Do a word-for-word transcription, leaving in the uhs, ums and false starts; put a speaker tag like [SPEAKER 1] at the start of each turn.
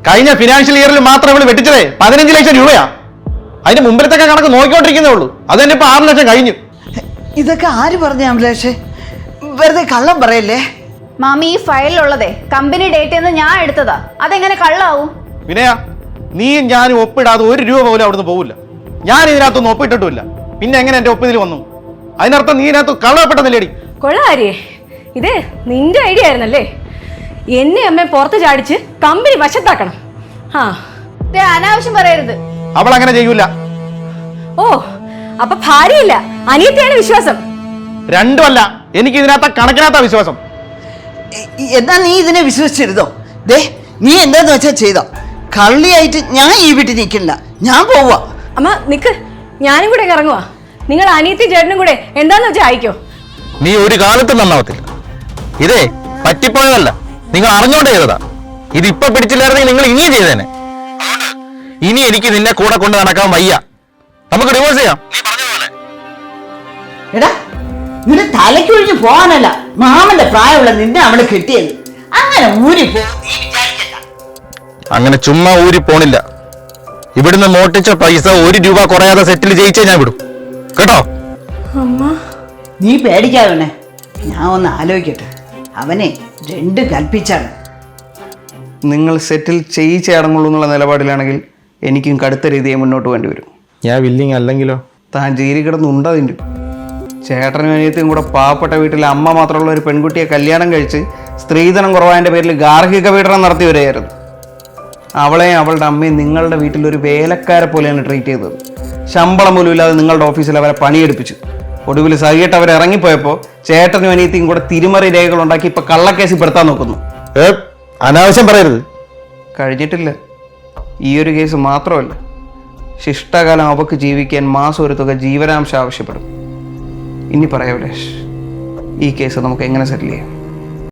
[SPEAKER 1] കഴിഞ്ഞ ഫിനാൻഷ്യൽ ഇയറിൽ മാത്രം ഇവള് വെട്ടിച്ചതേ പതിനഞ്ച് ലക്ഷം രൂപയാ. അതിന്റെ മുമ്പിലത്തൊക്കെ കണക്ക് നോക്കിക്കൊണ്ടിരിക്കുന്നേ ഉള്ളൂ. അത് തന്നെ ഇപ്പൊ ആറ് ലക്ഷം കഴിഞ്ഞു.
[SPEAKER 2] ഇതൊക്കെ ആര് പറഞ്ഞു അഭിലാഷേ? വെറുതെ കള്ളം പറയല്ലേ.
[SPEAKER 3] മാമി, ഈ ഫയലിലുള്ളതേ കമ്പനി ഡേറ്റ് എന്ന് ഞാൻ എടുത്തതാ. അതെങ്ങനെ കള്ളാവും?
[SPEAKER 1] വിനയ, നീയും ഞാനും ഒപ്പിടാതെ ഒരു രൂപ പോലും അവിടുന്ന് പോകില്ല. ഞാൻ ഇതിനകത്തൊന്നും ഒപ്പിട്ടിട്ടുമില്ല. പിന്നെ എങ്ങനെ എന്റെ ഒപ്പിതിൽ വന്നു? അതിനർത്ഥം നീ ഇതിനകത്ത് കള്ളപ്പെട്ടെന്നില്ലേടി?
[SPEAKER 4] കൊള്ളാരിയേ, ഇത് നിന്റെ ഐഡിയ ആയിരുന്നല്ലേ? എന്നെ അമ്മ പുറത്ത് ചാടിച്ച് കമ്പനി വശത്താക്കണം. ആ,
[SPEAKER 3] അനാവശ്യം പറയരുത്.
[SPEAKER 1] അവൾ അങ്ങനെ ചെയ്യൂല.
[SPEAKER 4] ഓ, അപ്പൊ ഭാര്യയില്ല, അനിയത്തിയാണ് വിശ്വാസം.
[SPEAKER 1] രണ്ടുമല്ല, എനിക്ക് ഇതിനകത്ത കണക്കിനകത്ത വിശ്വാസം.
[SPEAKER 2] എന്നാ നീ ഇതിനെ വിശ്വസിച്ചിരുന്നോ? ദേ, നീ എന്താന്ന് വെച്ചാ ചെയ്തോ. കള്ളിയായിട്ട് ഞാൻ ഈ വീട്ടിൽ നിൽക്കില്ല, ഞാൻ പോവാ.
[SPEAKER 4] അമ്മ നിക്ക്, ഞാനും കൂടെ ഇറങ്ങുവാ. നിങ്ങൾ അനിയത്തി ചേട്ടനും കൂടെ എന്താന്ന് വെച്ചാൽ അയക്കോ.
[SPEAKER 1] നീ ഒരു കാലത്തും നന്നാവത്തില്ല. ഇതേ പറ്റിപ്പോയതല്ല, നിങ്ങൾ അറിഞ്ഞോണ്ട് ചെയ്തതാ. ഇത് ഇപ്പൊ പിടിച്ചില്ലായിരുന്നെങ്കിൽ നിങ്ങൾ ഇനിയും ചെയ്തേനെ. ഇനി എനിക്ക് നിന്നെ കൂടെ കൊണ്ട് നടക്കാൻ വയ്യ. നമുക്ക് ഡിവോഴ്സ് ചെയ്യാം.
[SPEAKER 2] എടാ, നിന്റെ തലയ്ക്കൊഴിഞ്ഞ് പോകാനല്ല മാമന്റെ പ്രായമുള്ള നിന്നെ അവള് കിട്ടിയത്. അങ്ങനെ ഊരി പോ.
[SPEAKER 1] അങ്ങനെ ചുമ്മാ ഊരി പോണില്ല. ഇവിടുന്ന് മോട്ടിച്ച പൈസ ഒരു രൂപ കുറയാതെ സെറ്റിൽ ജയിച്ചേ ഞാൻ വിടും, കേട്ടോ?
[SPEAKER 4] അമ്മ,
[SPEAKER 2] നീ പേടിക്കാതെ, ഞാൻ ഒന്ന് ആലോചിക്കട്ടെ. അവനെ രണ്ട് കൽപ്പിച്ചാണ്.
[SPEAKER 5] നിങ്ങൾ സെറ്റിൽ ചെയ്യിച്ചേ അടങ്ങുള്ളൂ എന്നുള്ള നിലപാടിലാണെങ്കിൽ എനിക്കും കടുത്ത രീതിയെ മുന്നോട്ട് വേണ്ടി വരും.
[SPEAKER 1] ഞാൻ വില്ലിങ് അല്ലെങ്കിലോ?
[SPEAKER 5] താൻ ജയിലിൽ കിടന്നുണ്ടതിൻ്റെ ചേട്ടനും അനിയത്തിയും കൂടെ പാവപ്പെട്ട വീട്ടിലെ അമ്മ മാത്രമുള്ള ഒരു പെൺകുട്ടിയെ കല്യാണം കഴിച്ച് സ്ത്രീധനം കുറവായതിൻ്റെ പേരിൽ ഗാർഹിക പീഡനം നടത്തി വരികയായിരുന്നു. അവളെയും അവളുടെ അമ്മയും നിങ്ങളുടെ വീട്ടിൽ ഒരു വേലക്കാരെ പോലെയാണ് ട്രീറ്റ് ചെയ്തത്. ശമ്പളം പോലും ഇല്ലാതെ നിങ്ങളുടെ ഓഫീസിൽ അവരെ പണിയെടുപ്പിച്ചു. ഒടുവിൽ സഹിയിട്ട് അവർ ഇറങ്ങിപ്പോയപ്പോൾ ചേട്ടനും അനിയത്തിയും കൂടെ തിരിമറി രേഖകൾ ഉണ്ടാക്കി ഇപ്പൊ കള്ളക്കേസിൽ പെടുത്താൻ നോക്കുന്നു.
[SPEAKER 1] അനാവശ്യം പറയരുത്.
[SPEAKER 5] കഴിഞ്ഞിട്ടില്ല. ഈ ഒരു കേസ് മാത്രമല്ല, ശിഷ്ടകാലം അവക്ക് ജീവിക്കാൻ മാസം ഒരു തുക ജീവനാംശം ആവശ്യപ്പെടും. ഇനി പറയാം അഭിലാഷ്, ഈ കേസ് നമുക്ക് എങ്ങനെ സെറ്റിൽ ചെയ്യാം?